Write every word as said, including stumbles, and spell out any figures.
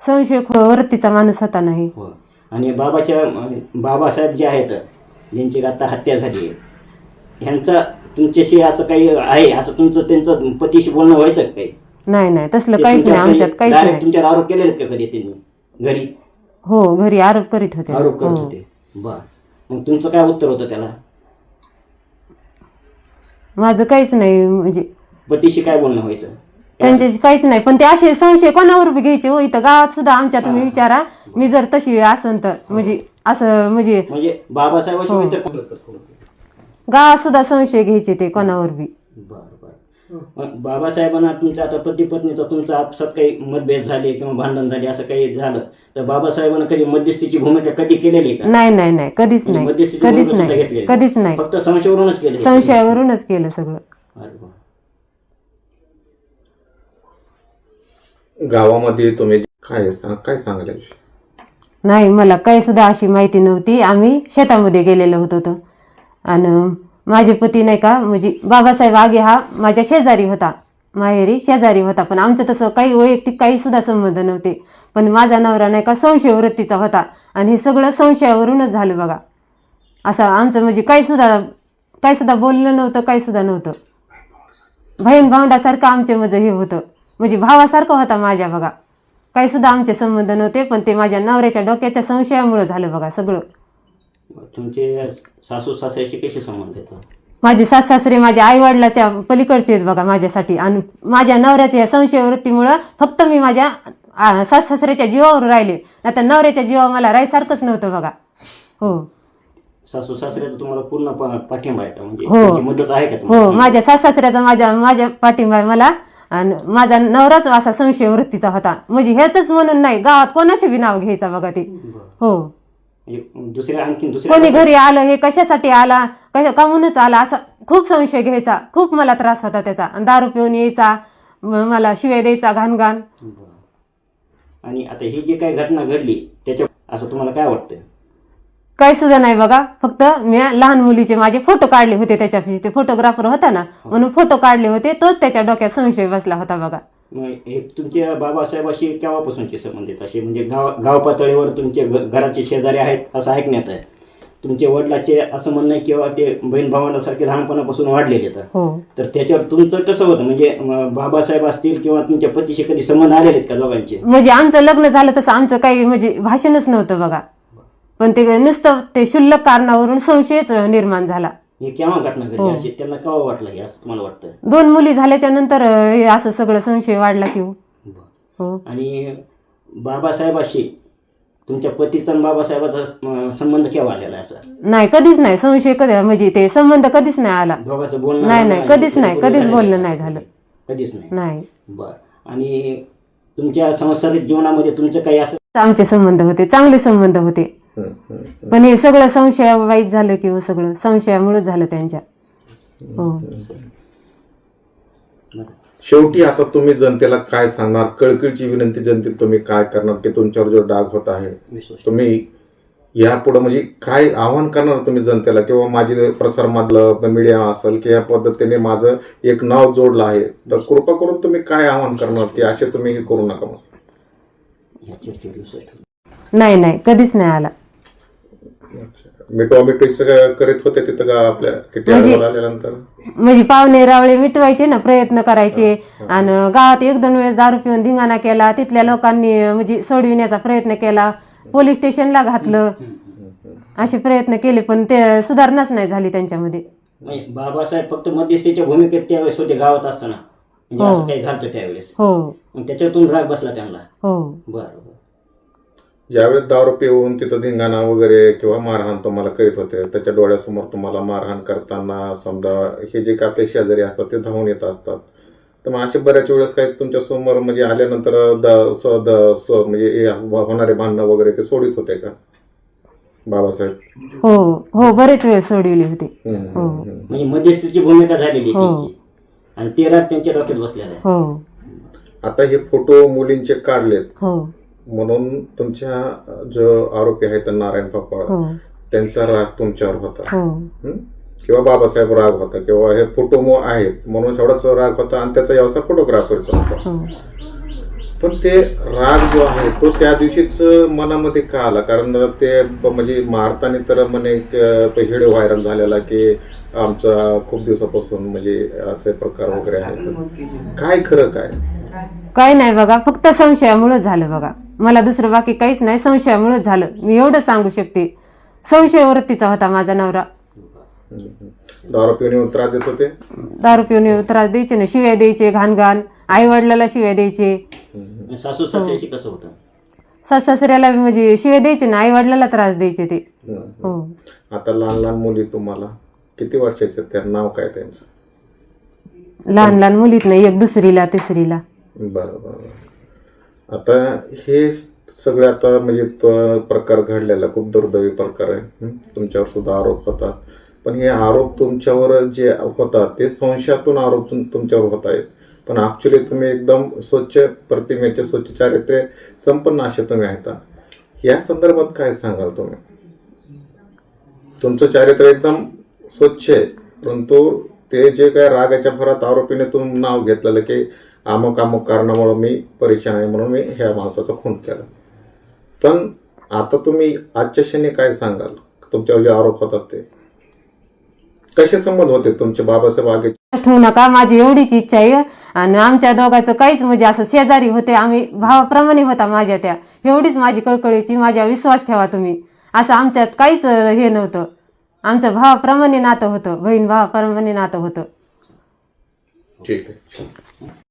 संशय वृत्तीचा माणूस होता नाही. हो. आणि बाबाच्या बाबासाहेब जे आहेत ज्यांची आता हत्या झाली आहे ह्यांचा तुमच्याशी असं काही आहे असं तुमचं त्यांचं पतीशी बोलणं व्हायचं का काही? नाही नाही तसलं काहीच नाही आमच्यात, काहीच direct नाही. तुमच्यावर आरोप केलेत का कधी त्यांनी घरी? हो घरी आरोप करीत होते. आरोप करत हो. होते. बर, मग तुमचं काय उत्तर होतं त्याला? माझं काहीच नाही, म्हणजे पतीशी काय बोलणं व्हायचं? त्यांच्याशी काहीच नाही. पण ते असे संशय कोणावर बी घ्यायचे हो. इथं गावात सुद्धा आमच्या तुम्ही विचारा, मी जर तशी असन तर म्हणजे असं म्हणजे म्हणजे बाबासाहेबांशी इतर गावात सुद्धा संशय घ्यायचे ते कोणावर बी. बर बर. मग बाबासाहेबांना तुमचा आता पती पत्नीचा तुमचा आपसात काही मतभेद झाले किंवा भांडण झाले असं काही झालं तर बाबासाहेबांना कधी मध्यस्थीची भूमिका कधी केलेली का? नाही नाही नाही कधीच नाही, मध्यस्थीची कधीच भूमिका सुद्धा नाही, घेतलेली? कधीच नाही. फक्त संशयावरूनच केले? संशयावरूनच केलं सगळं. अरे वा. गावामध्ये तुम्ही काय सांग काय सांगले? नाही मला काही सुद्धा अशी माहिती नव्हती. आम्ही शेतामध्ये गेलेलो होतो तर आणि माझे पती नाही का म्हणजे बाबासाहेब आगे हा माझ्या शेजारी होता, माहेरी शेजारी होता. पण आमचं तसं काही वैयक्तिक काही सुद्धा संबंध नव्हते. पण माझा नवरा नाही का संशय वृत्तीचा होता आणि हे सगळं संशयावरूनच झालं बघा. असं आमचं म्हणजे काही सुद्धा काही सुद्धा बोललं नव्हतं, काही सुद्धा नव्हतं. बहीण भावंडासारखं आमचे म्हणजे हे होतं, म्हणजे भावासारखं होता माझ्या बघा. काही सुद्धा आमचे संबंध नव्हते. पण ते माझ्या नवऱ्याच्या डोक्याच्या संशयामुळे झालं बघा सगळं. तुमचे सासू सासऱ्याशी कसे संबंध आहेत? माझे सास सासरे माझ्या आई वडिलाच्या पलीकडचे आहेत बघा माझ्यासाठी. आणि माझ्या नवऱ्याच्या संशय वृत्तीमुळं फक्त मी माझ्या सास सासऱ्याच्या जीवावर राहिले, आता नवऱ्याच्या जीवावर मला राहायसारखंच नव्हतं बघा. हो सासू सासऱ्याचा तुम्हाला पूर्ण पा- पाठिंबा आहे का? म्हणजे हो. त्यांची मदत आहे का हो तुम्हाला? माझ्या सास सासऱ्याचा माझ्या माझ्या पाठिंबा आहे मला. आणि माझा नवराच असा संशय वृत्तीचा होता. म्हणजे हेच म्हणून नाही, गावात कोणाचे बी नाव घ्यायचा बघा ते. हो म्हणजे दुसऱ्या आणखी दुसऱ्या कोणी घरी आलं हे कशासाठी आला, कशा काहूनच आला असा खूप संशय घ्यायचा. खूप मला त्रास होता त्याचा. आणि दारू पिऊन यायचा, म- मला शिवाय द्यायचा घाण घाण. बरं. आणि आता ही जी काही घटना घडली त्याच्या असं तुम्हाला काय वाटतं? काही सुद्धा नाही बघा. फक्त मी लहान मुलीचे माझे फोटो काढले होते त्याच्यापाशी, ते फोटोग्राफर होता ना म्हणून फोटो काढले होते, तोच त्याच्या डोक्यात संशय बसला होता बघा. मग हे तुमच्या बाबासाहेबाशी केव्हापासूनचे संबंधित असे म्हणजे गाव गाव पातळीवर तुमचे घ- घराचे शेजारी आहेत असं ऐकण्यात आहे. तुमच्या वडिलाचे असं म्हणणं आहे किंवा ते बहीण भावांसारखे लहानपणापासून वाढलेले तर हो तर त्याच्यावर तुमचं कसं होतं? म्हणजे अं, बाबासाहेब असतील किंवा तुमच्या पतीशी कधी संबंध आलेले आहेत का दोघांचे? म्हणजे आमचं लग्न झालं तसं आमचं काही म्हणजे भाषणच नव्हतं बघा. पण ते नुसतं ते क्षुल्लक कारणावरून संशयच निर्माण झाला. हे केव्हा घटना घडली हो. अशी त्यांना केव्हा वाटलं हे असं तुम्हाला वाटतं? दोन मुली झाल्याच्या नंतर अं, हे असं सगळं संशय वाढला की हो. बरं. हो आणि बाबासाहेबाशी तुमच्या पतीचा आणि बाबासाहेबाचा अं, संबंध केव्हा आलेला आहे असा? नाही कधीच नाही संशय कधी म्हणजे ते संबंध कधीच नाही आला. दोघांचं बोलणं नाही झालं नाही कधीच नाही, बोलणं कधीच झालं बोलणं का? नाही झालं. कधीच नाही. नाही बर. आणि तुमच्या संसारिक जीवनामध्ये तुमचं काही असं आमचे संबंध होते, चांगले संबंध होते. पण हे सगळं संशयावाईत झालं की हो, सगळं संशयामुळेच झालं त्यांच्या. हो शेवटी आता तुम्ही जनतेला काय सांगणार? कळकळीची विनंती जनतेत तुम्ही काय करणार की तुमच्यावर जो डाग होत आहे विश्वास तुम्ही यापुढे म्हणजे काय आव्हान करणार तुम्ही जनतेला? किंवा माझी प्रसारमाध्यम मीडिया असेल की या पद्धतीने माझं एक नाव जोडलं आहे तर कृपा करून तुम्ही काय आव्हान करणार की असे तुम्ही हे करू नका? ह्या चर्चेवर विश्वास ठेवू. नाही नाही कधीच नाही आला. मिठवा मिठवी सगळं करीत होते तिथं का आपल्या किती म्हणजे- अहवाल आल्यानंतर? म्हणजे पाहुणे रावळे मिटवायचे ना, प्रयत्न करायचे. आणि गावात एक दोन वेळेस दारू पिऊन धिंगाणा केला, तिथल्या लोकांनी म्हणजे सोडविण्याचा प्रयत्न केला, पोलीस स्टेशनला घातलं, असे प्रयत्न केले पण ते सुधारणाच नाही झाली त्यांच्यामध्ये. म्हणजे बाबासाहेब फक्त मध्यस्थीच्या भूमिकेत त्यावेळेस होते गावात असताना, म्हणजे हो. असं काही झालं त्यावेळेस हो मग त्याच्यातून राग बसला त्यांना? हो बरं बरं. ज्यावेळेस दारू पिऊन तिथं धिंगाणा वगैरे किंवा मारहाण तुम्हाला करीत होते त्याच्या डोळ्यासमोर तुम्हाला मारहाण करताना समजा हे जे काय आपले शेजारी असतात ते धावून येत असतात तर मग असे बऱ्याच वेळेस काही तुमच्या समोर म्हणजे आल्यानंतर द- स- द- स- म्हणजे हे होणारे भांडणं वगैरे ते सोडित होते का बाबासाहेब? हो हो बरेच वेळ सोडविले होते. हम्म, हो. हम्म, हम्म. म्हणजे मध्यस्थीची भूमिका झालेली हो. त्यांची आणि ते राग त्यांच्या डोक्यात बसलेला आहे. हो आता हे फोटो मुलींचे काढलेत हो म्हणून तुमच्या जो आरोपी आहेत नारायण पापा हो त्यांचा राग तुमच्यावर होता हो हं? किंवा बाबासाहेब राग होता किंवा हे फोटो मो आहेत म्हणून एवढाच राग होता आणि त्याचा व्यवसाय फोटोग्राफरचा होता. हो पण ते राग जो आहे तो त्या दिवशीच मनामध्ये का आला? कारण ते ब- म्हणजे मारताना तर म्हणे एक, अं, तो व्हिडिओ व्हायरल झालेला की आमचा खूप दिवसापासून म्हणजे असे प्रकार वगैरे आहेत. काय खरं काय? काही नाही बघा, फक्त संशयामुळे झालं बघा. मला दुसरं बाकी काहीच नाही, संशयामुळेच झालं. मी एवढं सांगू शकते. संशय वृत्तीचा होता माझा नवरा. हम्म, हम्म. दारू पिऊन येऊन त्रास देत होते. दारू पिऊन येऊन त्रास द्यायचे ना, शिव्या द्यायचे, घाण घाण, आई वडिलाला शिव्या द्यायचे, हम्म, सासू सासऱ्याशी कसं होतं? सास सासऱ्याला म्हणजे शिव्या द्यायचे ना, आई वडिलाला त्रास द्यायचे ते. हम्म. हो. आता लहान लहान मुली तुम्हाला किती वर्षाचे? त्या नाव काय त्यांचं? लहान लहान मुलीत नाही, एक दुसरीला तिसरीला. बरं बरं. आता हे सगळे आता म्हणजे तो प्रकार घडलेला खूप दुर्दैवी प्रकार आहे. हं? तुमच्यावर सुद्धा आरोप होतात, पण हे आरोप तुमच्यावर जे होतात ते संशयातून आरोप तुम- तुमच्यावर होत आहेत. पण ऍक्च्युली तुम्ही एकदम स्वच्छ प्रतिमेचे, स्वच्छ चारित्र्य संपन्न असे तुम्ही आहेत. या संदर्भात काय सांगाल तुम्ही? तुमचं चारित्र्य एकदम स्वच्छ आहे, परंतु ते जे काय रागाच्या भरात आरोपीने तुम्ही नाव घेतलेलं की अमुक अमुक कारणामुळे मी परेशान आहे म्हणून मी ह्या माणसाचा खून केला. पण आता तुम्ही आजच्या क्षणी काय सांगाल? तुमच्यावर जे आरोप होतात ते कसे संबंध होते तुमचे बाबासाहेब आगे? ठेवू नका, माझी एवढीच इच्छा आहे. आणि आमच्या दोघांचं काहीच म्हणजे असं शेजारी होते आम्ही, भावाप्रमाणे होता माझ्या त्या. एवढीच माझी कळकळीची, माझ्या विश्वास ठेवा तुम्ही. असं आमच्यात काहीच हे नव्हतं. आमचं भावाप्रमाणे नातं होतं, बहीण भावाप्रमाणे नातं होतं. ठीक आहे.